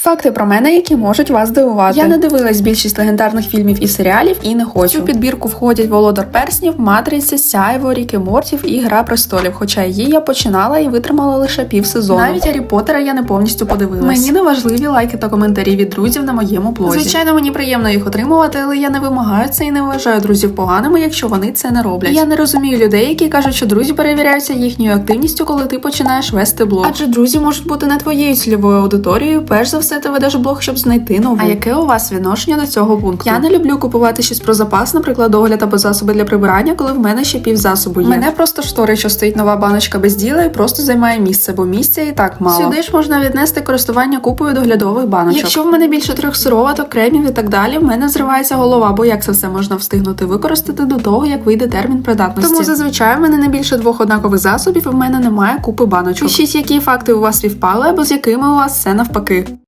Факти про мене, які можуть вас дивувати. Я не дивилась більшість легендарних фільмів і серіалів і не хочу. В цю підбірку входять Володар Перснів, Матриця, Сяйво, Рік і Мортів і Гра престолів. Хоча її я починала і витримала лише півсезону. Навіть Гаррі Поттера я не повністю подивилась. Мені не важливі лайки та коментарі від друзів на моєму блозі. Звичайно, мені приємно їх отримувати, але я не вимагаю це і не вважаю друзів поганими, якщо вони це не роблять. Я не розумію людей, які кажуть, що друзі перевіряються їхньою активністю, коли ти починаєш вести блог. Адже друзі можуть бути не твоєю цільовою аудиторією. Перш за все, ти ведеш блог, щоб знайти нову. А яке у вас відношення до цього пункту? Я не люблю купувати щось про запас, наприклад, догляд або засоби для прибирання, коли в мене ще півзасобу є. Мене просто шторить, що стоїть нова баночка без діла і просто займає місце, бо місця і так мало. Сюди ж можна віднести користування купою доглядових баночок. Якщо в мене більше 3 сироваток, кремів і так далі, в мене зривається голова, бо як це все можна встигнути використати до того, як вийде термін придатності. Тому зазвичай в мене не більше 2 однакових засобів, і в мене немає купи баночок. Пишіть, які факти у вас співпали, або з якими у вас все навпаки.